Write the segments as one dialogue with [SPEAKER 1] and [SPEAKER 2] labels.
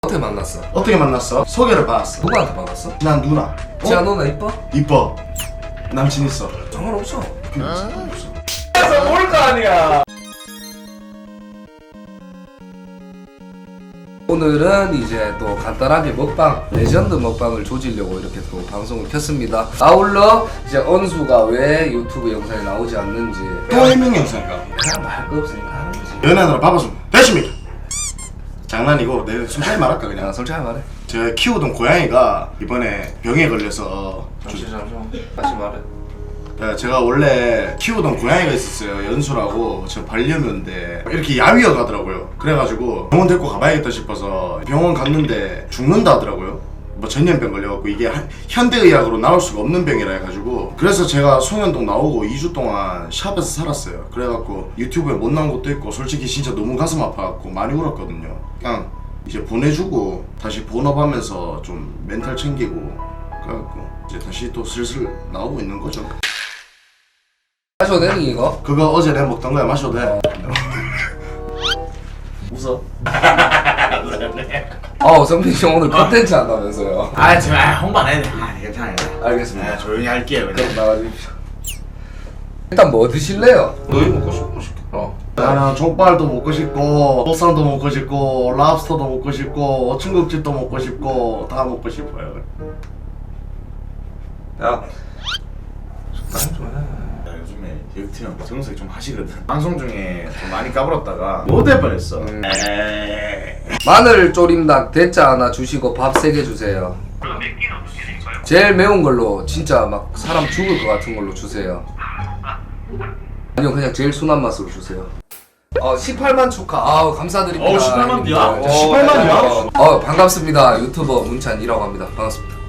[SPEAKER 1] 어떻게 만났어?
[SPEAKER 2] 어떻게 만났어? 소개를 받았어.
[SPEAKER 1] 누구한테 받았어?
[SPEAKER 2] 난 누나.
[SPEAKER 1] 지아 누나 이뻐?
[SPEAKER 2] 이뻐. 남친 있어.
[SPEAKER 1] 상관없어.
[SPEAKER 2] 상관없어.
[SPEAKER 1] 그래서 뭘 거 아니야. 오늘은 이제 또 간단하게 먹방, 레전드 먹방을 조지려고 이렇게 또 방송을 켰습니다. 아울러 이제 언수가 왜 유튜브 영상에 나오지 않는지
[SPEAKER 2] 또 해명 영상인가?
[SPEAKER 1] 그냥 말 거 없으니까 하는 거지.
[SPEAKER 2] 연애하느라 바빠서 됐습니까? 장난이고 내가 솔직히 말할까 그냥.
[SPEAKER 1] 그냥 솔직하게 말해.
[SPEAKER 2] 제가 키우던 고양이가 이번에 병에 걸려서
[SPEAKER 1] 잠시만 다시 말해.
[SPEAKER 2] 제가 원래 키우던 고양이가 있었어요. 연수라고. 저 반려묘인데 이렇게 야위어 가더라고요. 그래가지고 병원 데리고 가봐야겠다 싶어서 병원 갔는데 죽는다 하더라고요. 뭐 전염병 걸려갖고 이게 현대의학으로 나올 수가 없는 병이라 해가지고, 그래서 제가 송현동 나오고 2주 동안 샵에서 살았어요. 그래갖고 유튜브에 못 나온 것도 있고 솔직히 진짜 너무 가슴 아파갖고 많이 울었거든요. 그냥 이제 보내주고 다시 본업하면서 좀 멘탈 챙기고 그래갖고 이제 다시 또 슬슬 나오고 있는 거죠.
[SPEAKER 1] 마셔도 되니 이거?
[SPEAKER 2] 그거 어제 내가 먹던 거야. 마셔도 돼. 웃어.
[SPEAKER 1] 성빈 씨 오늘 컨텐츠 한다면서요.
[SPEAKER 3] 제발 홍보 안 해도 돼. 괜찮아요.
[SPEAKER 1] 알겠습니다.
[SPEAKER 3] 조용히 할게요.
[SPEAKER 1] 그럼 나가주십시오. 일단 뭐 드실래요? 너희 먹고 싶은 거 시켜라.
[SPEAKER 2] 나는 족발도 먹고 싶고 보쌈도 먹고 싶고 랍스터도 먹고 싶고 중국집도 먹고 싶고 다 먹고 싶어요.
[SPEAKER 1] 야, 적당히 좀 해.
[SPEAKER 3] 요즘에 디렉트 형 정색이 좀 하시거든. 방송 중에 좀 많이 까불었다가 못될 뻔했어.
[SPEAKER 1] 마늘 조림닭 대짜 하나 주시고 밥 3개 주세요. 제일 매운 걸로 진짜 막 사람 죽을 것 같은 걸로 주세요. 아니요, 그냥 제일 순한 맛으로 주세요. 18만 축하. 감사드립니다.
[SPEAKER 3] 18만 이야?
[SPEAKER 1] 어,
[SPEAKER 2] 18만 이야?
[SPEAKER 1] 반갑습니다. 유튜버 문찬이라고 합니다. 반갑습니다.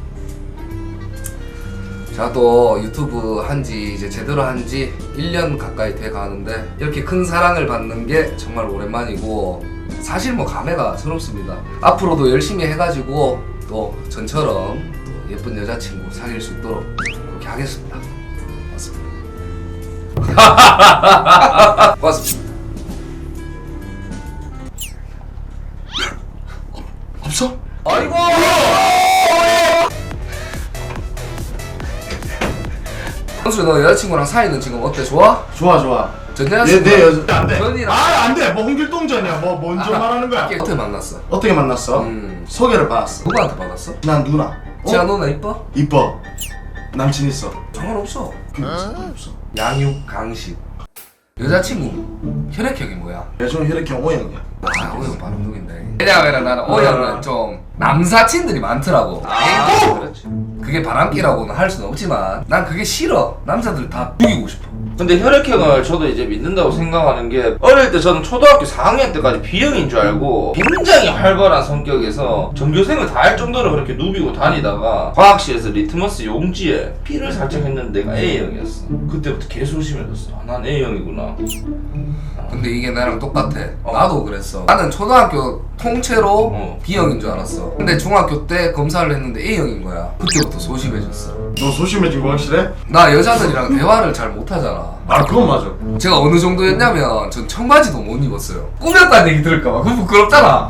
[SPEAKER 1] 제가 또 유튜브 한지 이제 제대로 한지 1년 가까이 돼 가는데 이렇게 큰 사랑을 받는 게 정말 오랜만이고, 사실 뭐 감회가 새롭습니다. 앞으로도 열심히 해가지고 또 전처럼 또 예쁜 여자친구 사귈 수 있도록 그렇게 하겠습니다. 맞습니다. 고맙습니다.
[SPEAKER 2] 없어?
[SPEAKER 1] 아이고! 현수, 너 여자친구랑 사이는 지금 어때? 좋아?
[SPEAKER 2] 좋아.
[SPEAKER 1] 전 여자친구
[SPEAKER 2] 내 여자 안돼.
[SPEAKER 1] 전이랑
[SPEAKER 2] 안돼. 뭐 홍길동전이야. 뭐 뭔지 말하는 거야.
[SPEAKER 1] 어떻게 만났어?
[SPEAKER 2] 어떻게 만났어? 소개를 받았어.
[SPEAKER 1] 누구한테 받았어?
[SPEAKER 2] 난 누나.
[SPEAKER 1] 지아 누나 이뻐?
[SPEAKER 2] 이뻐. 남친 있어.
[SPEAKER 1] 상관없어.
[SPEAKER 2] 상관없어.
[SPEAKER 1] 양육 강식. 여자친구 혈액형이 뭐야?
[SPEAKER 2] 요즘 혈액형 O형이야.
[SPEAKER 1] O형 바로 누군데? 왜냐면 나는 O형은 좀 남사친들이 많더라고.
[SPEAKER 3] 그렇지.
[SPEAKER 1] 그게 바람기라고는 할 수는 없지만 난 그게 싫어. 남자들 다 죽이고 싶어.
[SPEAKER 4] 근데 혈액형을 저도 이제 믿는다고 생각하는 게, 어릴 때 저는 초등학교 4학년 때까지 B형인 줄 알고 굉장히 활발한 성격에서 전교생을 다 할 정도로 그렇게 누비고 다니다가 과학실에서 리트머스 용지에 P를 살짝 했는데 내가 A형이었어. 그때부터 개소심해졌어. 난 A형이구나.
[SPEAKER 1] 근데 이게 나랑 똑같아. 나도 그랬어. 나는 초등학교 통째로 B형인 줄 알았어. 근데 중학교 때 검사를 했는데 A형인 거야. 그때부터 소심해졌어.
[SPEAKER 2] 너 소심해진 거 확실해?
[SPEAKER 1] 나 여자들이랑 대화를 잘 못하잖아.
[SPEAKER 2] 그건 맞아.
[SPEAKER 1] 제가 어느 정도였냐면 전 청바지도 못 입었어요. 꾸몄다는 얘기 들을까봐. 그거 부끄럽잖아.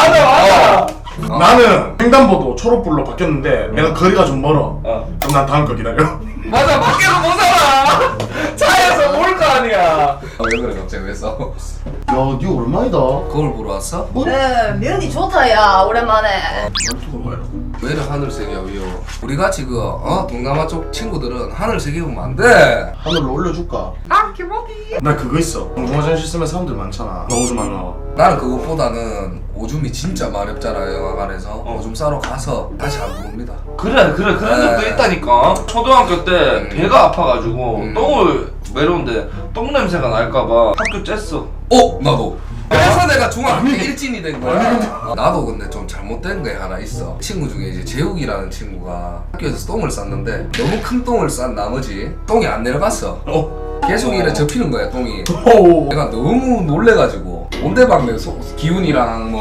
[SPEAKER 2] 맞아. 나는 횡단보도 초록불로 바뀌었는데 내가 거리가 좀 멀어. 그럼 난 다음 거 기다려.
[SPEAKER 1] 맞아, 밖에서 못 살아. 차에서 올 거 아니야. 왜 그래 갑자기 왜 싸워?
[SPEAKER 2] 야, 니 얼마이다?
[SPEAKER 1] 거울 보러 왔어?
[SPEAKER 5] 네, 면이 좋다 야 오랜만에.
[SPEAKER 2] 말투가 뭐야?
[SPEAKER 1] 왜 이래 하늘색이야 위요? 우리 같이 동남아 쪽 친구들은 하늘색이 보면 안 돼.
[SPEAKER 2] 하늘로 올려줄까?
[SPEAKER 1] 기모기.
[SPEAKER 2] 나 그거 있어. 공중 화장실 쓰면 사람들 많잖아. 너 오줌 안 나와.
[SPEAKER 1] 나는 그것보다는 오줌이 진짜 마렵잖아요 영화관에서. 오줌 싸러 가서 다시 안 들어옵니다.
[SPEAKER 4] 그래 그런 적도 있다니까. 초등학교 때 배가 아파가지고 똥을 매려운데 똥 냄새가 날까봐 학교 쬐어.
[SPEAKER 1] 나도. 그래서 내가 중학교 때 일진이 된 거야. 나도 근데 좀 잘못된 게 하나 있어. 친구 중에 이제 재욱이라는 친구가 학교에서 똥을 쌌는데 너무 큰 똥을 싼 나머지 똥이 안 내려갔어. 계속 이래 접히는 거야 똥이. 내가 너무 놀래가지고 온데방네 기훈이랑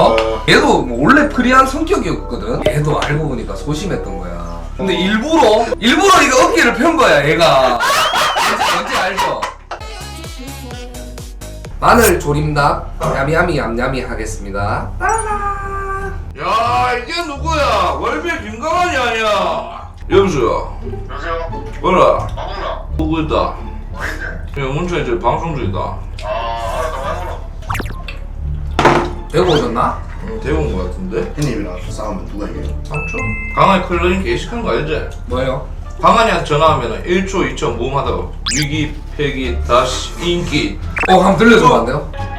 [SPEAKER 1] 얘도 뭐 원래 프리한 성격이었거든. 얘도 알고 보니까 소심했던 거야. 근데 일부러 이거 어깨를 편 거야 얘가. 뭔지 알죠? 마늘 조림닭 야미야미 얌얌이 하겠습니다. 따라.
[SPEAKER 4] 여보세요.
[SPEAKER 6] 여보세요?
[SPEAKER 4] 뭐라?
[SPEAKER 6] 마구나
[SPEAKER 4] 누구 있다?
[SPEAKER 6] 어딘데?
[SPEAKER 4] 야 문천이 저 방송 중이다.
[SPEAKER 6] 아 알았다 마구나
[SPEAKER 1] 대구 오셨나?
[SPEAKER 4] 대본 거 같은데?
[SPEAKER 2] 형님이랑 싸우면 누가 이겨요?
[SPEAKER 4] 상처? 강한이 클로징 게시한 거 알지?
[SPEAKER 1] 뭐예요?
[SPEAKER 4] 강한이한테 전화하면 1초 2초 모험하다가 위기 폐기 다시 인기
[SPEAKER 1] 한번 들려주면 안 돼요?